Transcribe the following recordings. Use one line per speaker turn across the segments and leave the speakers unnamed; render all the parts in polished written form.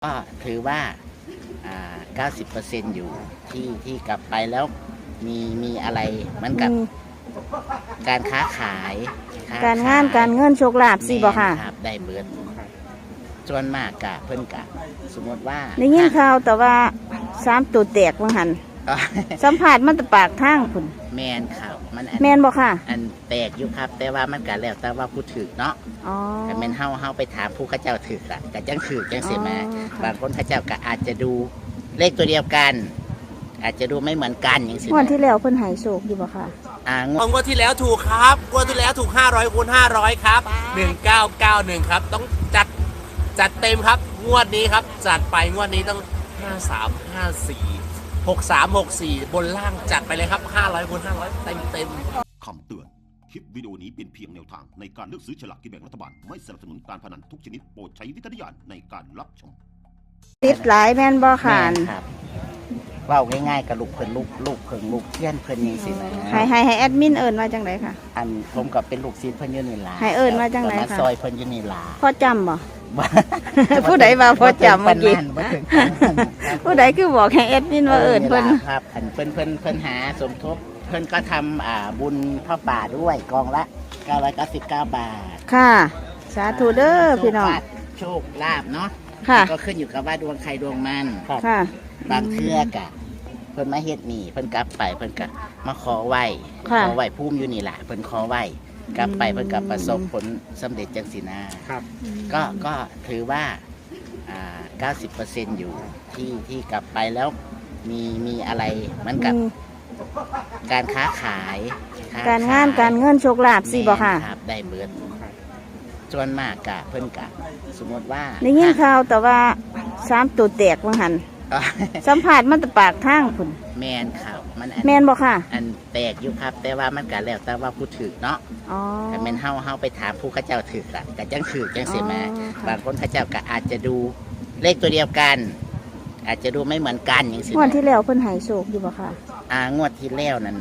ก็ถือว่า90%อยู่ที่กลับไปแล้วมีอะไรเหมือนกับการค้าขาย
การงานการเงินโชคลาภสิบ่ค่ะ
ครับได้เบิดส่วนมากกะเพิ่นกะสมมติว่า
ได้ยินข่าวแต่ว่า3ตัวแตกว่าหันสัมผัสมันตะปากทางพุ่น
แมนครับมัน
แมนบ่ค่ะ
อันแตกอยู่ครับแต่ว่ามันกะแล้วแต่ว่าผู้ถือเนาะแต่แมนเฮาไปถามผู้ข้าเจ้าถืออะกะจังถือจังเสียมาบางคนข้าเจ้ากะอาจจะดูเลขตัวเดียวกัน อาจจะดูไม่เหมือนกันอย่างสิ
วันที่แล้วเพิ่นหายโศกอยู่บ่ค่ะ
งวดที่แล้วถูกครับงวดที่แล้วถูก500 คูณ 500ครับ1991ครับต้องจัดเต็มครับงวดนี้ครับจัดไปงวดนี้ต้อง53 54 63 64บนล่างจัดไปเลยครับ500 คูณ 500เต็ม
คำเตือนคลิปวิดีโอนี้เป็นเพียงแนวทางในการเลือกซื้อฉลากกินแบ่งรัฐบาลไม่สนับสนุนการพนันทุกชนิดโปรดใช้วิจารณญาณในการรับชม
ติดหลายแม่นบ่ค่ะ
ครับเว้าง่ายๆกับลูกเพิ่นลูกเพิ่งลูกเทียนเพิ่นจังซี่นะ
ให้แอดมินเอิ้นว่าจังได๋ค่ะ
อันผมก็เป็นลูกศิษย์เพิ่นอยู่นี่ล่ะ
ให้เอิ้นว่าจังได๋ค่ะ
ซอยเพิ่นอยู่นี่ล่ะ
พอจำบ่ผู้ใดว่าพอจำเมื่อกี้ผู้ใดคือบอกให้แอดมินว่าเอิ้นเพิ่น
ครับอันเพิ่นหาสมทบเพิ่นก็ทำบุญผ้าป่าด้วยกองละ999 บาท
ค่ะสาธุเด้อพี่น้อง
โชคลาภเนาะก็ขึ้นอยู่กับว่าดวงใครดวงมัน
ค่ะ
บางเทื่อกะเพิ่นมาเฮ็ดนี่เพิ่นกลับไปเพิ่นก็มาขอไหว้ภูมิอยู่นี่แหละเพิ่นขอไหว้กลับไปเพิ่นก็ประสบผลสำเร็จจังสินา
ครับ
ก็ถือว่า90%อยู่ที่กลับไปแล้วมีอะไรเหมือนกับการค้าขาย
การงานการเงินโชคลาภสิบ่ค่ะ
ครับได้เบิดส่วนมากกะเพิ่นกะสมมติว่า
ได้ยินข่าวแต่ว่า3ตัวแตกว่าหันสัมผัสมันตะปากทางพุ่น
แมนครับมัน
แมนบ่ค่ะ
อันแตกอยู่ครับแต่ว่ามันกะแล้วแต่ว่าผู้ถือเนาะแต่แมนเฮาไปถามผู้ข้าเจ้าถืออะกะจังถือจังเสียมาบางคนข้าเจ้ากะอาจจะดูเลขตัวเดียวกัน อาจจะดูไม่เหมือนกันอย่างสิ
งวดที่แล้วเพิ่นหายโศกอยู่บ่ค่ะ
งวดที่แล้วนั้น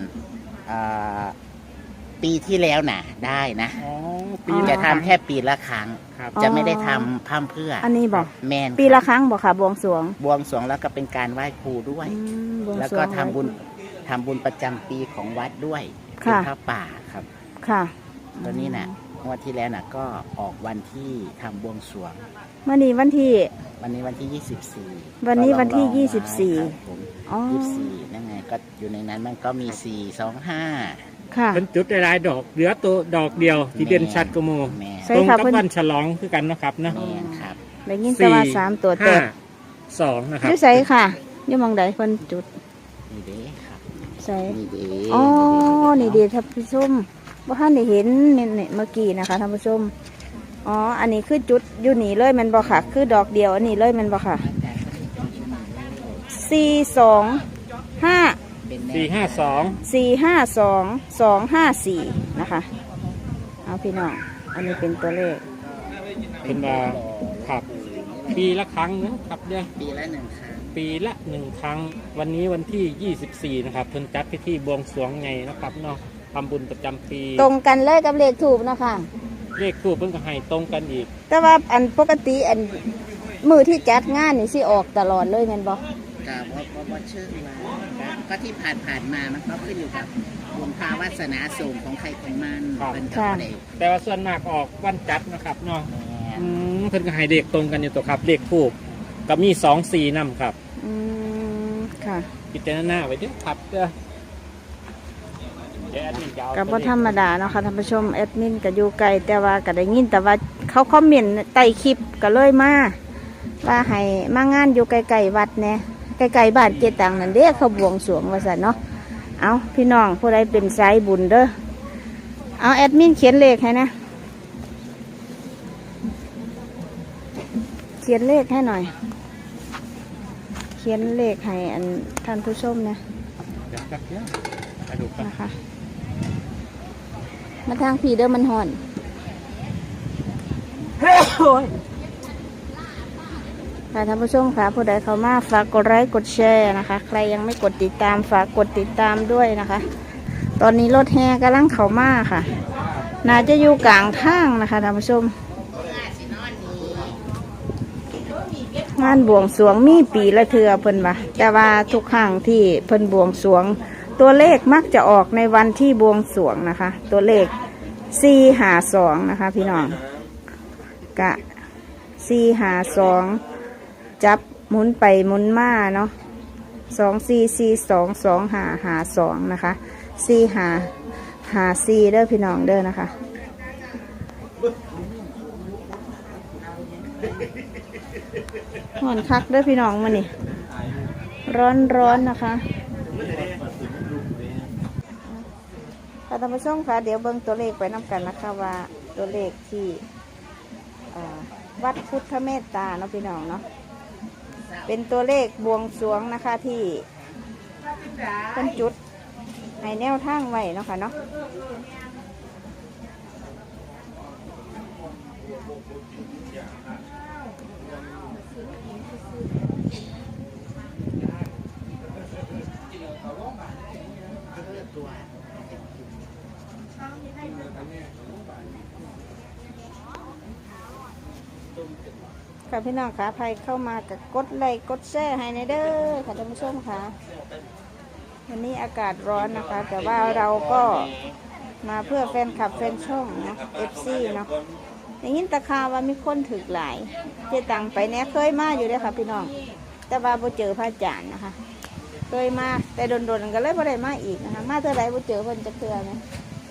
ปีที่แล้วน่ะได้นะจะทำแค่ปีละครั้งจะไม่ได้ทำพร่ำเพื่อ
อันนี้บอก
แมน
ปีละครั้งบอกค่ะบวงสรวง
แล้วก็เป็นการไหว้ครูด้วยแล้วก็ทำบุญประจำปีของวัดด้วยเป็นพระป่าครับ
ค่ะ
ตอนนี้น่ะงวดที่แล้วน่ะก็ออกวันที่ทำบวงสรวง
วันนี้วันที่
24
วันนี้วันที่
24นั่นไงก็อยู่ในนั้นมันก็มี425
เป็นจุดหลายดอกเหลือตัวดอกเดียวที่เด่นชัดกโมตรงกับวันฉลองคือกันนะครับนะ
ได้ยินแต่ว่า3ตัวแตก
2นะครับ
ชื่อใส่ค่ะอยู่มองใดคนจุด
นี่เด้ครับ
ใส่อ๋อนี่เด้ท่านผู้ชมว่าท่านได้เห็นเนี่ยเมื่อกี้นะคะท่านผู้ชมอ๋ออันนี้คือจุดอยู่นี่เลยมันบ่ค่ะคือดอกเดียวอันนี้เลยมันบ่ค่ะ452 นะคะเอาพี่น้องอันนี้เป็นตัวเลข
เป็นครับปีละครั้งนะครับเนี่ย
ปีละ1 ครั้ง
วันนี้วันที่24นะครับเพิ่นจัดพิธีบวงสรวงไงนะครับเนาะทำบุญประจำปี
ตรงกันเลยกับเลขถูกนะคะ
เลขถูกเพิ่นก็ให้ตรงกันอีก
แต่ว่าอันปกติอันมือที่จัดงานนี่สิออกตลอดเลยแม่นบ่
ก็ชื่อว่าก็ที่ผ่านมามันก็ขึ้นอยู่กับบุญภาวาสนาสูงของใครของมันเป็นกับเด็ก
แต่ว่าส่วนมากออกวันจัดนะครับเนาะเพิ่นก็ให้เลขตรงกันอยู่ตัวครับเลขถูกก็มี24นำครับ
ค่ะ
พิจารณาไว้ด้วยครับ
กับว่าธรรมดาเนาะค่ะท่านผู้ชมแอดมินก็อยู่ไกลแต่ว่าก็ได้ยินแต่ว่าเขาคอมเมนต์ใต้คลิปก็เลยมาว่าให้มางานอยู่ไกลๆวัดเนี่ยไกลๆบ้านเจตังนั่นเด้เขาบวงสรวงว่าซั่นเนาะเอาพี่น้องผู้ใดเป็นสายบุญเด้อเอาแอดมินเขียนเลขให้นะเขียนเลขให้หน่อยเขียนเลขให้อันท่านผู้ชมนะนะคะมาทางผีเด้อมันห่อนค่ะท่านผู้ชมค่ะผู้ใดเข้ามาฝากกดไลค์กดแชร์นะคะใครยังไม่กดติดตามฝากกดติดตามด้วยนะคะตอนนี้รถแห่กำลังเข้ามาค่ะน่าจะอยู่กลางทางนะคะท่านผู้ชมงานบวงสรวงมีปีละเทื่อเพิ่นว่าแต่ว่าทุกครั้งที่เพิ่นบวงสรวงตัวเลขมักจะออกในวันที่บวงสรวงนะคะ ตัวเลข452นะคะพี่น้องกะ452จับหมุนไปหมุนมาเนาะ24422552นะคะ4554เด้อพี่น้องเด้อนะคะห่อนคักเด้อพี่น้องมานี่ร้อนนะคะค่ะท่านผู้ชมค่ะเดี๋ยวเบิ่งตัวเลขไปน้ำกันนะคะว่าตัวเลขที่วัดพุทธเมตตาเนาะพี่น้องเนาะเป็นตัวเลขบวงสรวงนะคะที่เป็นจุดให้แนวทางไว้เนาะค่ะเนาะค่ะพี่น้องค่ะใครเข้ามากับกดไลค์กดแชร์ให้ในเด้อค่ะท่านผู้ชมค่ะวันนี้อากาศร้อนนะคะแต่ว่าเราก็มาเพื่อแฟนคลับแฟนช่องนะ FC เนาะอย่างนี้ตะคาว่ามีคนถึกหลายเจตังไปเนี้ยเคยมาอยู่เลยค่ะพี่น้องแต่ว่าบ่เจอพระอาจารย์นะคะเคยมาแต่โดนๆก็เลยบ่ได้มาอีกนะคะมาเท่าไรบ่เจอเพิ่นจะเทื่อไหม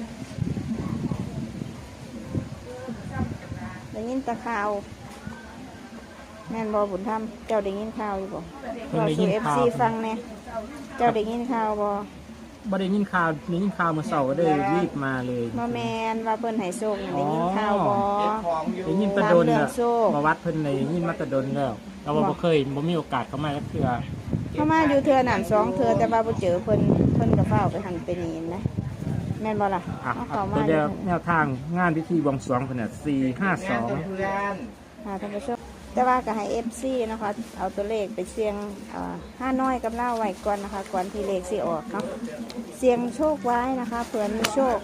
อย่างนี้ตะคาวแม่นบอบุญธรรมเจ้าได้ยินข่าวอยู่บ่เราสู่FCฟังแน่เจ้าได้ยินข่าวบ่
ได้ยินข่าวเมื่อเช้าก็ได้รีบมาเลย
บ่แม่นว่าเพิ่นให้โชคได้ยินข่าวบ่
ได้ยินตะดนน่ะมาวัดเพิ่นได้ยินมาตะดนแล้วเราบ่เคยบ่มีโอกาสเข้ามาเทื่อ
เข้ามาอยู่เทื่อนั้น2เทื่อแต่ว่าบ่เจอเพิ่นก็เฝ้าไปหันไปนี่นะแม่นบ่ล่ะ
เข้ามาเดี๋ยวแนวทางงานพิธีบวงสรวงเพิ่นน่ะ452
ค่ะท่านผู้ชมแต่ว่าก็ให้ FC นะคะเอาตัวเลขไปเสี่ยง5น้อยกับเล่าไว้ก่อนนะคะก่อนที่เลขสิออกเนาะเสี่ยงโชคไว้นะคะเผื่อมีโชค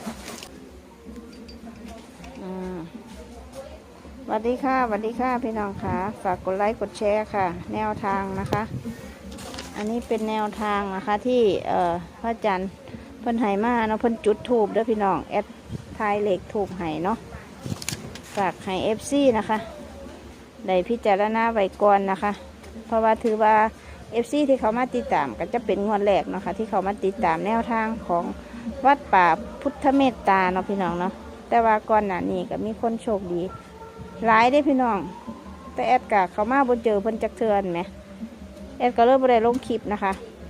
สวัสดีค่ะสวัสดีค่ะพี่น้องค่ะฝากกดไลค์กดแชร์ค่ะแนวทางนะคะอันนี้เป็นแนวทางนะคะที่พระอาจารย์เพิ่นไห้มาเนาะเพิ่นจุดธูปเด้อพี่น้องแอดทายเลขธูปไห้เนาะฝากให้ FC นะคะได้พิจารณาไว้ก่อนนะคะเพราะว่าถือว่า FC ที่เขามาติดตามก็จะเป็นงวดแรกนะคะที่เขามาติดตามแนวทางของวัดป่าพุทธเมตตาเนาะพี่น้องเนาะแต่ว่าก่อนหน้านี้ก็มีคนโชคดีหลายได้พี่น้องแต่แอดกะเขามาบนเจอเพิ่นจักเทือนไหมแอดก็เริ่มบ่ได้ลงคลิปนะคะ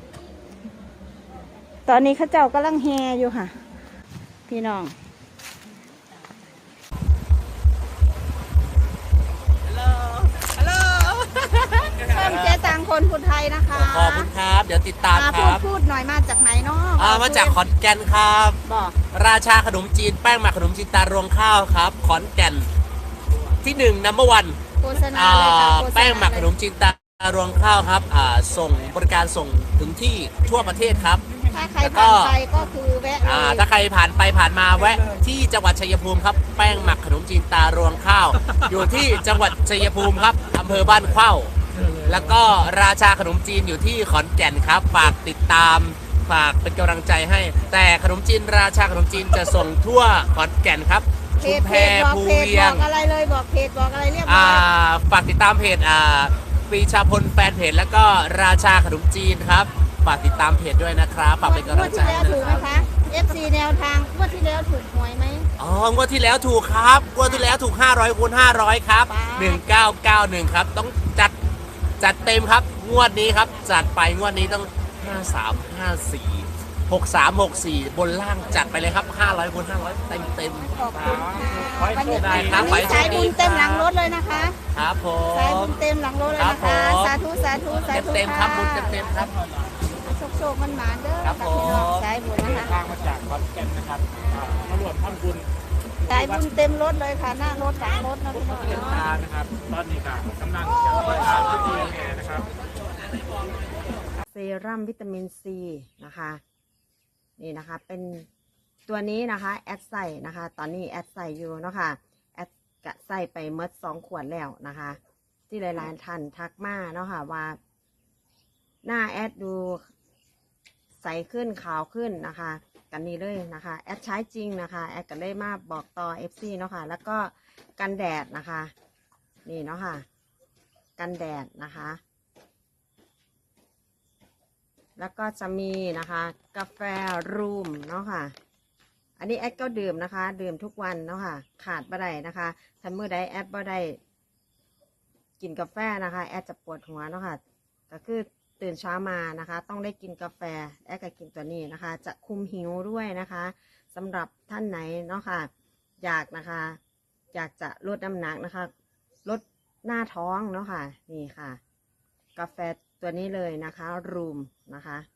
ตอนนี้เขาเจ้ากำลังแห่อยู่ค่ะพี่น้องเจ๊ตังคนพุทธไทยนะคะ
ขอบคุณครับเดี๋ยวติดตามครับ
พูดหน่อยมาจากไหนเนาะ
มาจากขอนแก่นครับ
บอก
ราชาขนมจีนแป้งหมักขนมจีนตารวงข้าวครับขอนแก่นที่1 No. 1
โฆษณาเลยค่ะ
แป้งหมักขนมจีนตารวงข้าวครับส่งบริการส่งถึงที่ทั่วประเทศครับ
ถ้าใครผ่านไปก็คือแวะ
ถ้าใครผ่านไปผ่านมาแวะที่จังหวัดชัยภูมิครับแป้งหมักขนมจีนตารวงข้าว อยู่ที่จังหวัดชัยภูมิครับอำเภอบ้านเข้าแล้วก็ราชาขนมจีนอยู่ที่ขอนแก่นครับฝากติดตามฝากเป็นกำลังใจให้แต่ขนมจีนราชาขนมจีนจะส่งทั่วขอนแก่นครับชุมแพภูเวียง
บอกอะไรเลยบอกเพจบอกอะไรเรียบร้อย
ฝากติดตามเพจปรีชาพลแฟนเพจแล้วก็ราชาขนมจีนครับฝากติดตามเพจด้วยนะครับฝากเป็นกำลังใจ
งวดที่แล้วถูกไหมคะ FC แนวทางงวดที่แล้วถูกหวยไหม
งวดที่แล้วถูกครับงวดที่แล้วถูก500 คูณ 500ครับ1991ครับต้องจัดเต็มครับงวดนี้ครับจัดไปงวดนี้ต้อง53 54 63 64บนล่างจัดไปเลยครับ500 คูณ 500เต็ม
ขอบคุณค่ะวันนี้สายบุญเต็มหลังรถเลยนะคะ
ครับผม
สายบุญเต็มหลังรถเลยนะคะสาธุสาธุสาธุ
เต็มครับบุญเต็มครับ
โชคมันหมาเด้อครับพี่น้องสายบุญนะคะ
ทางมาจากขอนแก่นนะครับมารวมทำบุญ
สายบุญเต็มรถเลยค่ะหน้ารถหลังรถนะพี่น้อง
นะครับตอนนี้ค่ะกำลังจะไปที่แห่นะครับ
เซรั่มวิตามินซีนะคะนี่นะคะเป็นตัวนี้นะคะแอดใส่นะคะตอนนี้แอดใส่อยู่เนาะค่ะแอดกะใส่ไปเมื่อ2 ขวดแล้วนะคะเจที่หลายๆท่านทักมาเนาะค่ะว่าหน้าแอดดูใสขึ้นขาวขึ้นนะคะกันนี้เลยนะคะแอดใช้จริงนะคะแอดก็เลยมาบอกต่อ FC เนาะค่ะแล้วก็กันแดดนะคะนี่เนาะค่ะกันแดดนะคะแล้วก็จะมีนะคะกาแฟรูมเนาะค่ะอันนี้แอดก็ดื่มนะคะดื่มทุกวันเนาะค่ะขาดบ่ได้นะคะถ้ามื้อใดแอดบ่ได้กินกาแฟนะคะแอดจะปวดหัวเนาะค่ะก็คือตื่นเช้ามานะคะต้องได้กินกาแฟแอดก็กินตัวนี้นะคะจะคุมหิวด้วยนะคะสำหรับท่านไหนเนาะค่ะอยากนะคะอยากจะลดน้ำหนักนะคะลดหน้าท้องเนาะค่ะนี่ค่ะกาแฟตัวนี้เลยนะคะรูมนะคะ